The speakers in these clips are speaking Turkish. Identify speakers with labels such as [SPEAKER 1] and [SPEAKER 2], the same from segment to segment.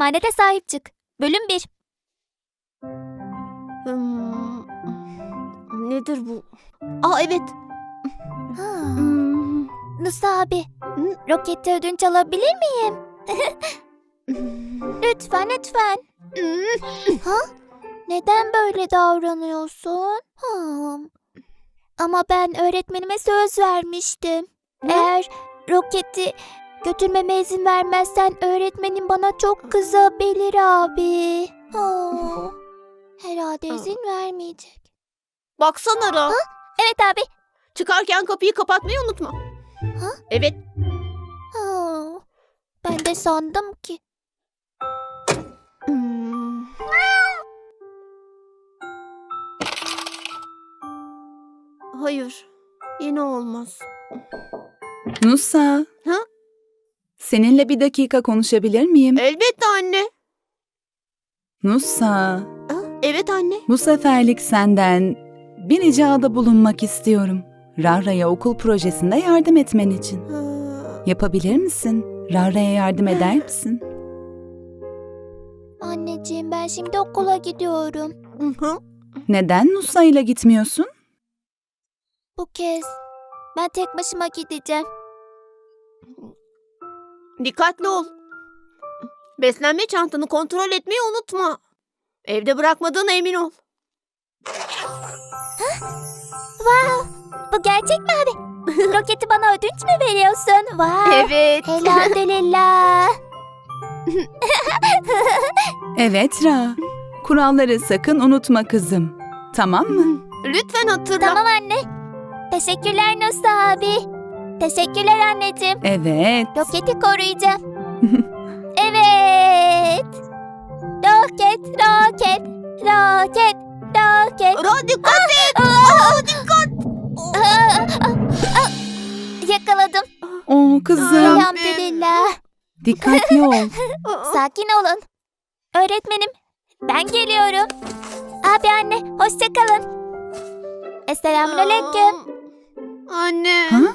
[SPEAKER 1] emanete sahip çık. Bölüm 1.
[SPEAKER 2] Nedir bu? Evet.
[SPEAKER 1] Nusa abi, roketi ödünç alabilir miyim? Lütfen, lütfen. Neden böyle davranıyorsun? Ama ben öğretmenime söz vermiştim. Eğer roketi götürmeme izin vermezsen öğretmenim bana çok kızabilir abi. Herhalde izin vermeyecek.
[SPEAKER 2] Baksana Ra.
[SPEAKER 1] Evet abi.
[SPEAKER 2] Çıkarken kapıyı kapatmayı unutma. Evet.
[SPEAKER 1] Ben de sandım ki.
[SPEAKER 2] Hayır. Yine olmaz.
[SPEAKER 3] Nusa.
[SPEAKER 2] Ha?
[SPEAKER 3] Seninle bir dakika konuşabilir miyim?
[SPEAKER 2] Elbette anne.
[SPEAKER 3] Nusa,
[SPEAKER 2] Evet anne.
[SPEAKER 3] bu seferlik senden bir ricada bulunmak istiyorum. Rara'ya okul projesinde yardım etmen için. Yapabilir misin? Rara'ya yardım eder misin?
[SPEAKER 1] Anneciğim ben şimdi okula gidiyorum.
[SPEAKER 3] Neden Nusa ile gitmiyorsun?
[SPEAKER 1] Bu kez ben tek başıma gideceğim.
[SPEAKER 2] Dikkatli ol. Beslenme çantanı kontrol etmeyi unutma. Evde bırakmadığına emin ol.
[SPEAKER 1] Wow, bu gerçek mi abi? Roketi bana ödünç mü veriyorsun? Wow.
[SPEAKER 2] Evet.
[SPEAKER 1] Elhamdülillah.
[SPEAKER 3] Evet Ra. Kuralları sakın unutma kızım. Tamam mı?
[SPEAKER 2] Lütfen hatırla.
[SPEAKER 1] Tamam anne. Teşekkürler Nusa abi. Teşekkürler anneciğim.
[SPEAKER 3] Evet.
[SPEAKER 1] Roketi koruyacağım. Evet. Roket, roket, roket, roket.
[SPEAKER 2] Ra dikkat et. Dikkat.
[SPEAKER 1] Yakaladım.
[SPEAKER 3] Kızım.
[SPEAKER 1] Elhamdülillah.
[SPEAKER 3] Dikkatli ol.
[SPEAKER 1] Sakin olun. Öğretmenim, ben geliyorum. Abi anne, hoşça kalın. Selamünaleyküm.
[SPEAKER 2] Anne.
[SPEAKER 3] Ha?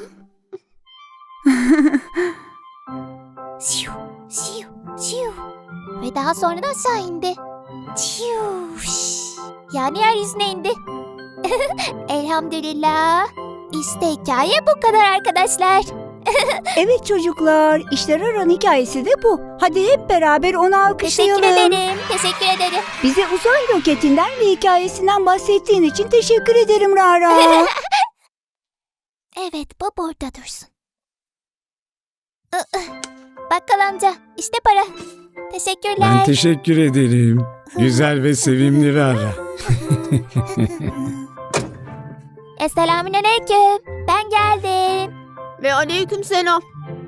[SPEAKER 1] Şiu, şiu, şiu. Ve daha sonra da aşağı indi. Şiu, şş. Yani yeryüzüne indi. Elhamdülillah. İşte hikaye bu kadar arkadaşlar.
[SPEAKER 4] Evet çocuklar, işte Rara'nın hikayesi de bu. Hadi hep beraber onu alkışlayalım.
[SPEAKER 1] Teşekkür ederim, teşekkür ederim.
[SPEAKER 4] Bize uzay roketinden ve hikayesinden bahsettiğin için teşekkür ederim Rara.
[SPEAKER 1] Evet, bu burada dursun. Bakkal amca, işte para. Teşekkürler.
[SPEAKER 5] Ben teşekkür ederim. Güzel ve sevimli Rara.
[SPEAKER 1] Selamünaleyküm. Ben geldim.
[SPEAKER 2] Ve aleykümselam.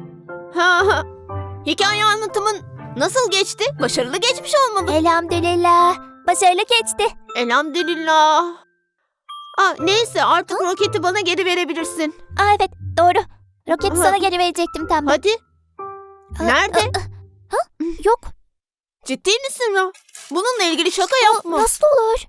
[SPEAKER 2] Hikaye anlatımın nasıl geçti? Başarılı geçmiş olmalı.
[SPEAKER 1] Elhamdülillah. Başarılı geçti.
[SPEAKER 2] Elhamdülillah. Neyse artık roketi bana geri verebilirsin.
[SPEAKER 1] Evet, doğru. Roketi sana geri verecektim tam.
[SPEAKER 2] Hadi. Nerede?
[SPEAKER 1] Yok.
[SPEAKER 2] Ciddi misin Ra? Bununla ilgili şaka yapma.
[SPEAKER 1] Nasıl olur?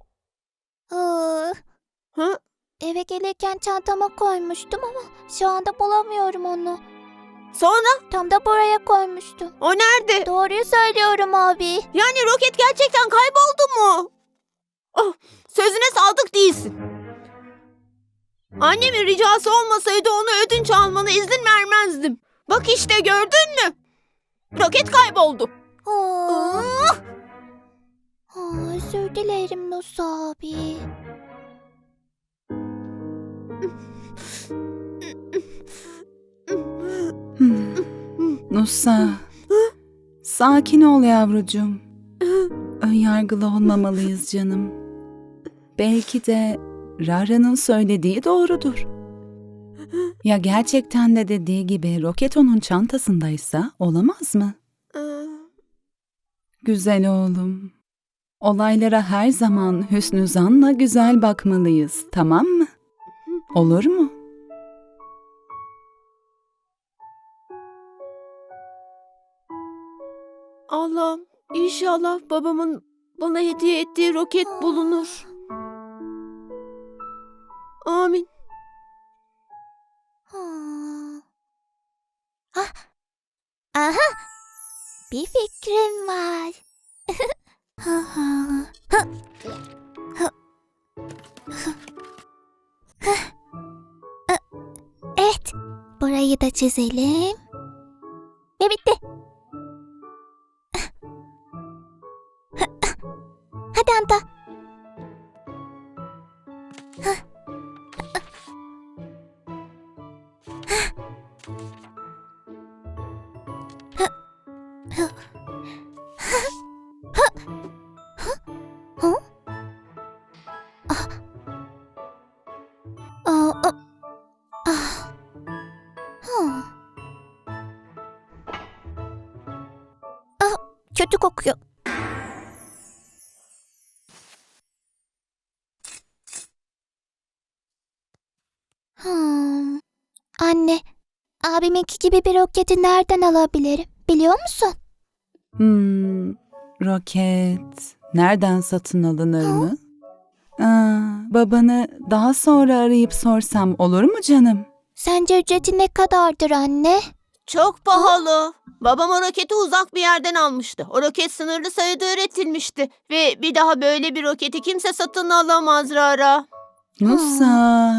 [SPEAKER 2] Hı?
[SPEAKER 1] Eve gelirken çantama koymuştum ama şu anda bulamıyorum onu.
[SPEAKER 2] Sonra?
[SPEAKER 1] Tam da buraya koymuştum.
[SPEAKER 2] O nerede?
[SPEAKER 1] Doğruyu söylüyorum abi.
[SPEAKER 2] Yani roket gerçekten kayboldu mu? Sözüne sadık değilsin. Annemin ricası olmasaydı onu ödünç almana izin vermezdim. Bak işte gördün mü? Roket kayboldu.
[SPEAKER 1] Özür dilerim Nusa abi.
[SPEAKER 3] Nusa. Sakin ol yavrucuğum. Önyargılı olmamalıyız canım. Belki de Rara'nın söylediği doğrudur. Ya gerçekten de dediği gibi roket onun çantasındaysa olamaz mı? Güzel oğlum. Olaylara her zaman hüsnü zanla güzel bakmalıyız, tamam mı? Olur mu?
[SPEAKER 2] Allah'ım inşallah babamın bana hediye ettiği roket bulunur. Amin.
[SPEAKER 1] Aha. Bir fikrim var. Evet, burayı da çizelim. Ve bitti. Hadi Anta. Kötü kokuyor. Anne, abiminki gibi bir roketi nereden alabilirim? Biliyor musun?
[SPEAKER 3] Roket nereden satın alınır mı? Babanı daha sonra arayıp sorsam olur mu canım?
[SPEAKER 1] Sence ücreti ne kadardır anne?
[SPEAKER 2] Çok pahalı. Babam o roketi uzak bir yerden almıştı. O roket sınırlı sayıda üretilmişti. Ve bir daha böyle bir roketi kimse satın alamaz Rara.
[SPEAKER 3] Nusa.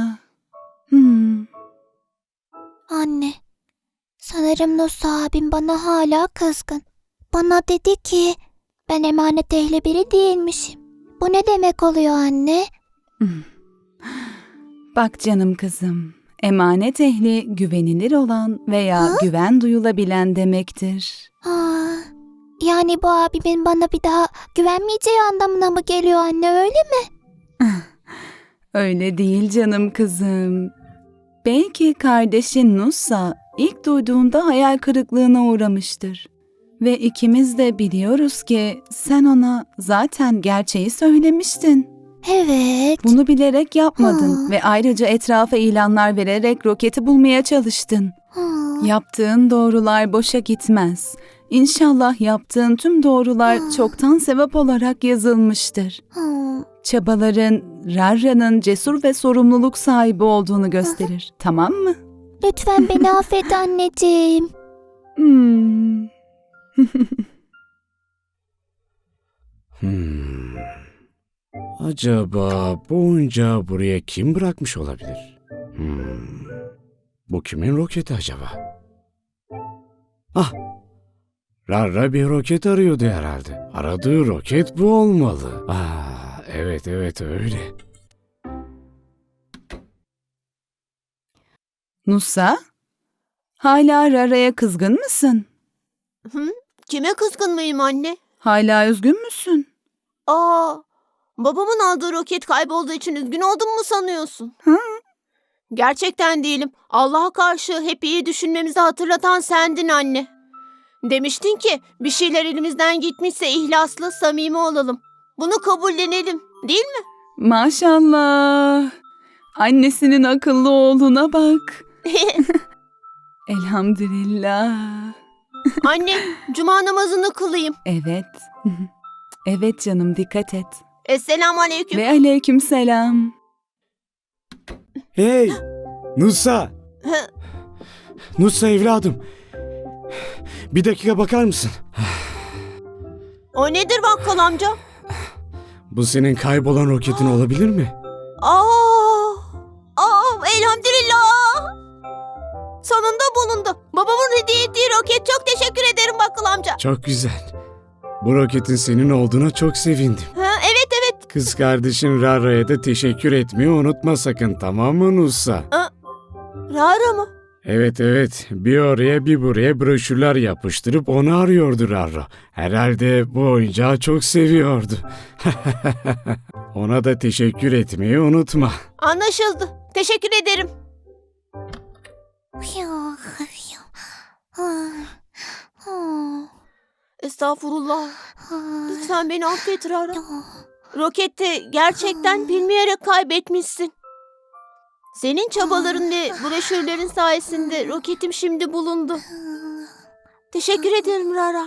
[SPEAKER 1] Anne, sanırım Nusa abim bana hala kızgın. Bana dedi ki ben emanet ehli biri değilmişim. Bu ne demek oluyor anne?
[SPEAKER 3] Bak canım kızım, emanet ehli güvenilir olan veya güven duyulabilen demektir.
[SPEAKER 1] Yani bu abimin bana bir daha güvenmeyeceği anlamına mı geliyor anne, öyle mi?
[SPEAKER 3] Öyle değil canım kızım. Belki kardeşin Nusa ilk duyduğunda hayal kırıklığına uğramıştır. Ve ikimiz de biliyoruz ki sen ona zaten gerçeği söylemiştin.
[SPEAKER 1] Evet.
[SPEAKER 3] Bunu bilerek yapmadın ve ayrıca etrafa ilanlar vererek roketi bulmaya çalıştın. Yaptığın doğrular boşa gitmez. İnşallah yaptığın tüm doğrular çoktan sevap olarak yazılmıştır. Çabaların Rarra'nın cesur ve sorumluluk sahibi olduğunu gösterir. Tamam mı?
[SPEAKER 1] Lütfen beni affet anneciğim.
[SPEAKER 5] Acaba bu oyuncağı buraya kim bırakmış olabilir? Bu kimin roketi acaba? Rarra bir roket arıyordu herhalde. Aradığı roket bu olmalı. Evet öyle.
[SPEAKER 3] Nusa, hala Rarra'ya kızgın mısın?
[SPEAKER 2] Kime kızgın mıyım anne?
[SPEAKER 3] Hala üzgün müsün?
[SPEAKER 2] Babamın aldığı roket kaybolduğu için üzgün oldum mu sanıyorsun? Gerçekten değilim. Allah'a karşı hep iyi düşünmemizi hatırlatan sendin anne. Demiştin ki bir şeyler elimizden gitmişse ihlaslı, samimi olalım. Bunu kabullenelim, değil mi?
[SPEAKER 3] Maşallah. Annesinin akıllı oğluna bak. Elhamdülillah.
[SPEAKER 2] Anne, cuma namazını kılayım.
[SPEAKER 3] Evet. Evet canım, dikkat et.
[SPEAKER 2] Esselamu aleyküm.
[SPEAKER 3] Ve aleykümselam.
[SPEAKER 5] Hey! Nusa! Nusa evladım. Bir dakika bakar mısın?
[SPEAKER 2] O nedir bakkal amca?
[SPEAKER 5] Bu senin kaybolan roketin olabilir mi?
[SPEAKER 2] Elhamdülillah. Sonunda bulundu. Babamın hediye ettiği roket. Çok teşekkür ederim bakkal amca.
[SPEAKER 5] Çok güzel. Bu roketin senin olduğuna çok sevindim.
[SPEAKER 2] Evet.
[SPEAKER 5] Kız kardeşin Rarra'ya da teşekkür etmeyi unutma sakın, tamam mı Nusa?
[SPEAKER 2] Rara mı?
[SPEAKER 5] Evet. Bir oraya bir buraya broşürler yapıştırıp onu arıyordu Rarra. Herhalde bu oyuncağı çok seviyordu. Ona da teşekkür etmeyi unutma.
[SPEAKER 2] Anlaşıldı. Teşekkür ederim. Estağfurullah. Lütfen beni affet Rara. Roketi gerçekten bilmeyerek kaybetmişsin. Senin çabaların ve broşürlerin sayesinde roketim şimdi bulundu. Teşekkür ederim Rara.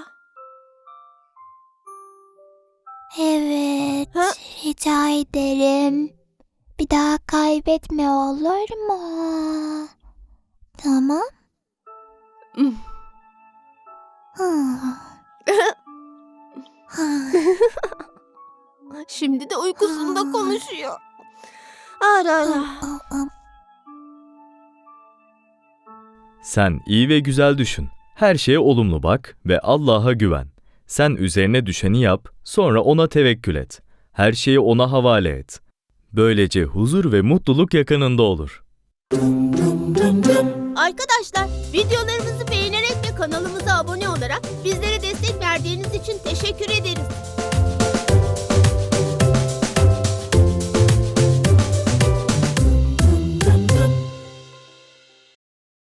[SPEAKER 1] Evet, rica ederim. Bir daha kaybetme, olur mu? Tamam.
[SPEAKER 2] konuşuyor. Ara.
[SPEAKER 6] Sen iyi ve güzel düşün. Her şeye olumlu bak ve Allah'a güven. Sen üzerine düşeni yap, sonra ona tevekkül et. Her şeyi ona havale et. Böylece huzur ve mutluluk yakınında olur.
[SPEAKER 2] Arkadaşlar, videolarımızı beğenerek ve kanalımıza abone olarak bizlere destek verdiğiniz için teşekkür ederiz.